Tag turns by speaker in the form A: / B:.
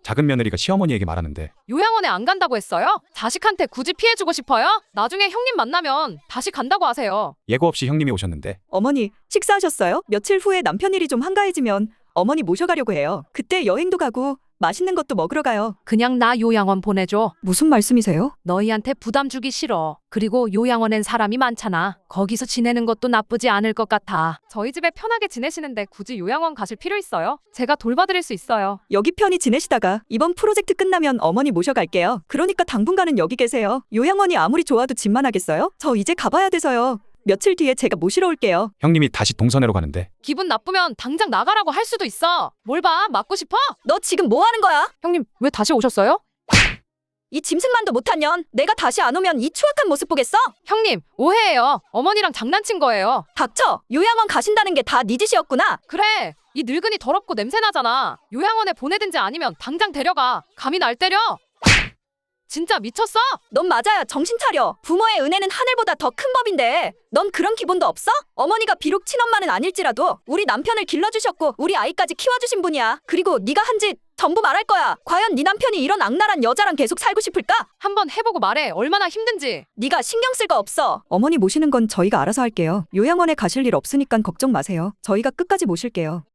A: 작은 며느리가 시어머니에게 말하는데
B: 요양원에 안 간다고 했어요? 자식한테 굳이 피해주고 싶어요? 나중에 형님 만나면 다시 간다고 하세요.
A: 예고 없이 형님이 오셨는데
C: 어머니, 식사하셨어요? 며칠 후에 남편 일이 좀 한가해지면 어머니 모셔가려고 해요. 그때 여행도 가고 맛있는 것도 먹으러 가요.
B: 그냥 나 요양원 보내줘.
C: 무슨 말씀이세요?
B: 너희한테 부담 주기 싫어. 그리고 요양원엔 사람이 많잖아. 거기서 지내는 것도 나쁘지 않을 것 같아. 저희 집에 편하게 지내시는데 굳이 요양원 가실 필요 있어요? 제가 돌봐드릴 수 있어요.
C: 여기 편히 지내시다가 이번 프로젝트 끝나면 어머니 모셔갈게요. 그러니까 당분간은 여기 계세요. 요양원이 아무리 좋아도 집만 하겠어요? 저 이제 가봐야 돼서요. 며칠 뒤에 제가 모시러 올게요.
A: 형님이 다시 동선회로 가는데
B: 기분 나쁘면 당장 나가라고 할 수도 있어. 뭘 봐? 맞고 싶어?
C: 너 지금 뭐 하는 거야?
B: 형님, 왜 다시 오셨어요?
C: 이 짐승만도 못한 년. 내가 다시 안 오면 이 추악한 모습 보겠어?
B: 형님, 오해예요. 어머니랑 장난친 거예요.
C: 닥쳐. 요양원 가신다는 게 다 네 짓이었구나.
B: 그래, 이 늙은이 더럽고 냄새나잖아. 요양원에 보내든지 아니면 당장 데려가. 감히 날 때려? 진짜 미쳤어?
C: 넌 맞아야 정신 차려. 부모의 은혜는 하늘보다 더 큰 법인데 넌 그런 기본도 없어? 어머니가 비록 친엄마는 아닐지라도 우리 남편을 길러주셨고 우리 아이까지 키워주신 분이야. 그리고 네가 한 짓 전부 말할 거야. 과연 네 남편이 이런 악랄한 여자랑 계속 살고 싶을까?
B: 한번 해보고 말해. 얼마나 힘든지.
C: 네가 신경 쓸 거 없어. 어머니 모시는 건 저희가 알아서 할게요. 요양원에 가실 일 없으니까 걱정 마세요. 저희가 끝까지 모실게요.